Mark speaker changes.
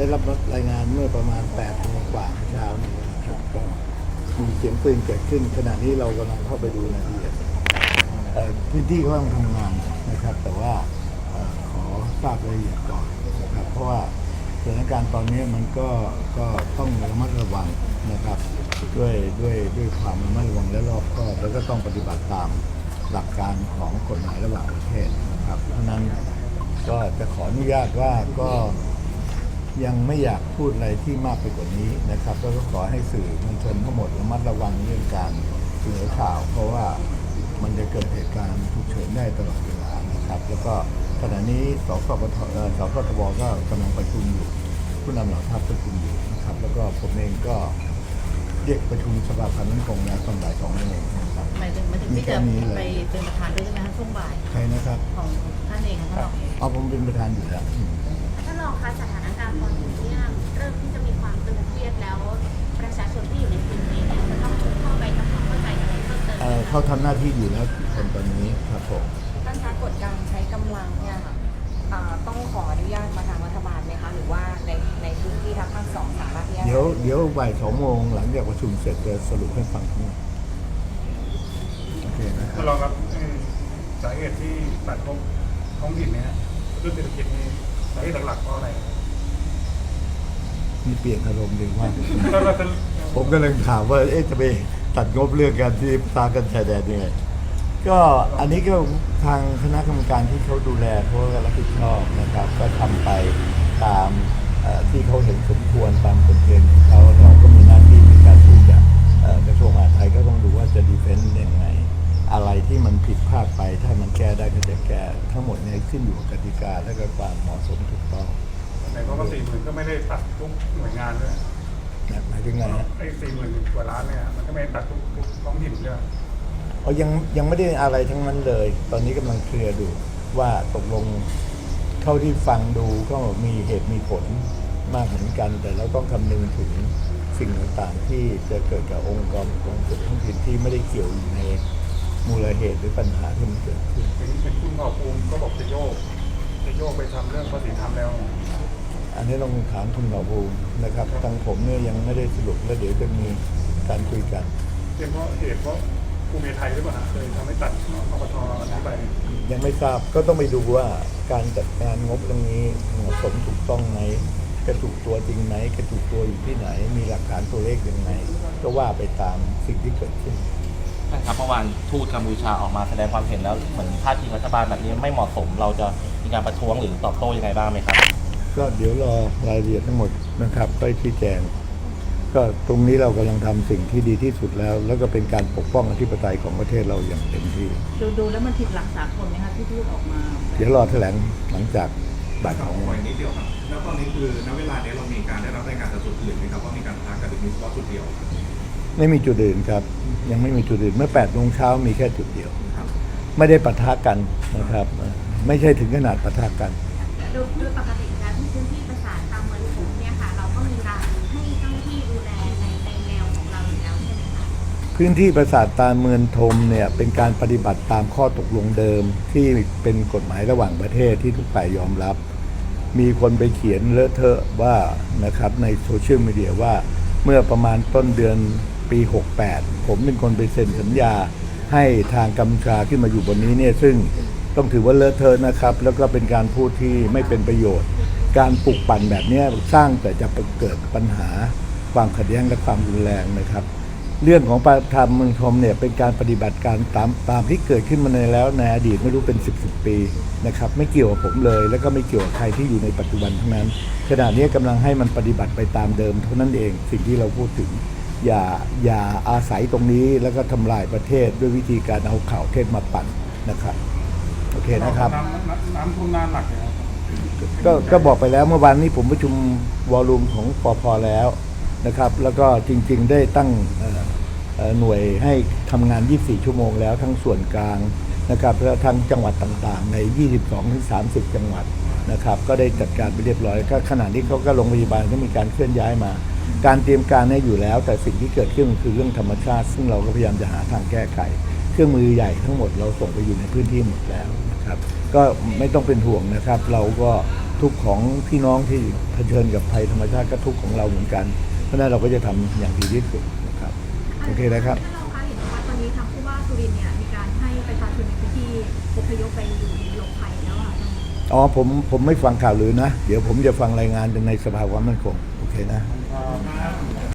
Speaker 1: ได้รับรายงานเมื่อประมาณ8 โมงกว่าเช้านี้นะครับก็มีเสียงปืนเกิดขึ้นขณะนี้เรากำลังเข้าไปดูรายละเอียดพื้นที่เขากำลังทำงานนะครับแต่ว่าขอทราบรายละเอียดก่อนนะครับเพราะว่าสถานการณ์ตอนนี้มันก็ต้องระมัดระวังนะครับด้วยความระมัดระวังและรอบคอบแล้วก็ต้องปฏิบัติตามหลักการของกฎหมายระหว่างประเทศนะครับเพราะนั้นก็จะขออนุญาตว่าก็ยังไม่อยากพูดอะไรที่มากไปกว่านี้นะครับแล้วก็ขอให้สื่อมวลชนทั้งหมดระมัดระวังเรื่องการเสนอข่าวเพราะว่ามันจะเกิดเหตุการณ์ฉุกเฉินได้ตลอดเวลานะครับแล้วก็ขณะนี้สพทบก็กำลังประชุมอยู่ผู้นำเหล่าทัพประชุมอยู่นะครับแล้วก็ผมเองก็เรียกประชุมสภาพันธ์มั่นคงแล้วตอนบ่าย 2 โมงนะครับ
Speaker 2: หมายถึงที่จะไปเป็นประธานด้วยใช่ไหมคะช่วงบ่าย
Speaker 1: ใครนะครับ
Speaker 2: ของท่านเองค่ะท่านรอง
Speaker 1: เอาผมเป็นประธานอยู่แล้ว
Speaker 3: ท่านรองคะสถานการณ์ตอนนี้เนี่ยเริ่มที่จะมีความตึงเครียดแล้วประชาชนที่อยู่ในพื้นที่เนี่ยจะต้องเข้าไปทำความเข้าใจอะไรเพิ่มเติม
Speaker 1: เขาทำหน้าที่อยู่แล้วคนตอนนี้ครับผม
Speaker 4: ท่านคะกฎการใช้กำลังเนี่ยค่ะต้องขออนุญาตมาทางรัฐบาลไหมคะหรือว่าในพื้นที่ทั้งสองสามารถที่จะ
Speaker 1: เดี๋ยวบ่าย 2 โมงหลังจากประชุมเสร็จจะสรุปให้ฟังทั้งหมดโอเคนะครับ
Speaker 5: ท่านรองครับสาเหตุที่ตัดงบท้องถิ่นเนี่ยเรื่องเศรษฐกิจนี่สาเหตุหลักๆเพราะอะไร
Speaker 1: มีเปลี่ยนอารมณ์ดีว่าผมก็เลยถามว่าจะไปตัดงบเรื่องการที่ตากันชายแดนยังไงก็อันนี้ก็ทางคณะกรรมการที่เขาดูแลเขาก็รับผิดชอบนะครับก็ทำไปตามที่เขาเห็นสมควรตามกฎเกณฑ์ของเขาเราก็มีหน้าที่ในการที่จะกระทรวงมหาดไทยก็ต้องดูว่าจะดีเฟนซ์ยังไงอะไรที่มันผิดพลาดไปถ้ามันแก้ได้ก็จะแก้ทั้งหมดเนี่ยขึ้นอยู่กับกติกาและก็ความเหมาะสมถูกต้อง
Speaker 5: ในเพราะว่า40,000ก็ไม่ได้ตัดทุกหน่วยงานด้วย
Speaker 1: หมายถึงไงฮะ
Speaker 5: ไอ้40,000 กว่าล้านเนี่ยมันก็ไม่ตัดทุกท้องถิ่นด้วย
Speaker 1: ยังไม่ได้อะไรทั้งนั้นเลยตอนนี้กำลังเคลียร์ดูว่าตกลงเท่าที่ฟังดูก็มีเหตุมีผลมากเหมือนกันแต่เราต้องคำนึงถึงสิ่งต่างๆที่จะเกิดกับองค์กรส่วนท้องถิ่นที่ไม่ได้เกี่ยวอยู่ในมูลเหตุหรือปัญหาที่มันเกิดขึ้น
Speaker 5: เป็นคุณภาคภูมิก็บอกจะโยกไปทำเรื่องภาษีธรรมแล้ว
Speaker 1: อันนี้ต้องถามคุณหมอภูมินะครับทางผมเนี่ยยังไม่ได้สรุปและเดี๋ยวจะมีการคุยกัน
Speaker 5: เป็นเพราะเหตุเพราะภูมิไทยหรือเปล่าเลยทำให้ตัดอปท.นี้ไป
Speaker 1: ยังไม่ทราบก็ต้องไปดูว่าการจัดการงบตรงนี้เหมาะสมถูกต้องไหมกระถูกตัวจริงไหมกระถูกตัวอยู่ที่ไหนมีหลักฐานตัวเลขยังไงก็ว่าไปตามสิ่งที่เกิดขึ้น
Speaker 6: ครับเมื่อวานทูตกัมพูชาออกมาแสดงความเห็นแล้วเหมือนท่าทีรัฐบาลแบบนี้ไม่เหมาะสมเราจะมีการประท้วงหรือตอบโต้ยังไงบ้างไหมครับ
Speaker 1: ก็เดี๋ยวรอรายละเอียดทั้งหมดนะครับไปชี้แจงก็ตรงนี้เรากำลังทำสิ่งที่ดีที่สุดแล้วก็เป็นการปกป้องอธิปไตยของประเทศเราอย่างเต็มที่
Speaker 2: ดูแล้วมันผิดหลักสากลไหมคะที่พูดออกมา
Speaker 1: เดี๋ยวรอแถลงหลังจากบ่าย 2 โมง
Speaker 7: นิดเดียวครับแล้วตอนนี้คือณเวลานี้เรามีการได้รับรายงานจากจุดอื่นไหมครับว่ามีการปะทะกันหรือมีเฉพาะจุดเดียว
Speaker 1: ไม่มีจุดอื่นครับยังไม่มีจุดอื่นเมื่อ8 โมงเช้ามีแค่จุดเดียวไม่ได้ปะทะกันนะครับไม่ใช่ถึงขนาดปะทะกัน
Speaker 3: โดยปกติแล้วที่พื้นที่ปราสาทตามเมืองผมเนี่ยค่ะเราก็มีการให้เจ้าหน้าที่ดูแลในแนวของเราอยู่แล้วใช่ไหมคะ
Speaker 1: พื้นที่ปราสาทตาเมืองธมเนี่ยเป็นการปฏิบัติตามข้อตกลงเดิมที่เป็นกฎหมายระหว่างประเทศที่ทุกฝ่ายยอมรับมีคนไปเขียนเลอะเทอะว่านะครับในโซเชียลมีเดียว่าเมื่อประมาณต้นเดือนปี 68ผมเป็นคนไปเซ็นสัญญาให้ทางกัมพูชาขึ้นมาอยู่บนนี้เนี่ยซึ่งต้องถือว่าเลอะเทอะนะครับแล้วก็เป็นการพูดที่ไม่เป็นประโยชน์การปลุกปั่นแบบนี้สร้างแต่จะเกิดปัญหาความขัดแย้งและความรุนแรงนะครับเรื่องของประธานเมืองธมเนี่ยเป็นการปฏิบัติการตามที่เกิดขึ้นมาในอดีตไม่รู้เป็น10 ปีนะครับไม่เกี่ยวกับผมเลยแล้วก็ไม่เกี่ยวกับใครที่อยู่ในปัจจุบันทั้งนั้นขณะนี้กำลังให้มันปฏิบัติไปตามเดิมเท่านั้นเองสิ่งที่เราพูดถึงอย่าอาศัยตรงนี้แล้วก็ทำลายประเทศด้วยวิธีการเอาข่าวเท็จมาปั่นนะครับโอเคนะครับ
Speaker 5: น้ำท่วมนานหนักเลย
Speaker 1: ก็บอกไปแล้วเมื่อวานนี้ผมประชุมวอลลุ่มของปภ.แล้วนะครับแล้วก็จริงๆได้ตั้งหน่วยให้ทำงาน 24 ชั่วโมงแล้วทั้งส่วนกลางนะครับและทั้งจังหวัดต่างๆใน 22-30 จังหวัดนะครับก็ได้จัดการไปเรียบร้อยก็ขณะนี้เขาก็โรงพยาบาลก็มีการเคลื่อนย้ายมาการเตรียมการเนี่ยอยู่แล้วแต่สิ่งที่เกิดขึ้นคือเรื่องธรรมชาติซึ่งเราก็พยายามจะหาทางแก้ไขเครื่องมือใหญ่ทั้งหมดเราส่งไปอยู่ในพื้นที่หมดแล้วนะครับก็ไม่ต้องเป็นห่วงนะครับเราก็ทุกข์ของพี่น้องที่เผชิญกับภัยธรรมชาติก็ทุกข์ของเราเหมือนกัน เพราะฉะนั้นเราก็จะทำอย่างดีที่สุดนะครับโอเคนะครับ
Speaker 8: ท่านรองคะเห็นว่าตอนนี้ทางผู้ว่าสุรินทร์เนี่ยมีการให้ประชาชนในพื้นที่อพยพไปอยู่ในหลบภัยแล้วค่ะ
Speaker 1: อ๋อผมไม่ฟังข่าวลือนะ เดี๋ยวผมจะฟังรายงานในสภาความมั่นคงโอเคนะ
Speaker 5: ครับ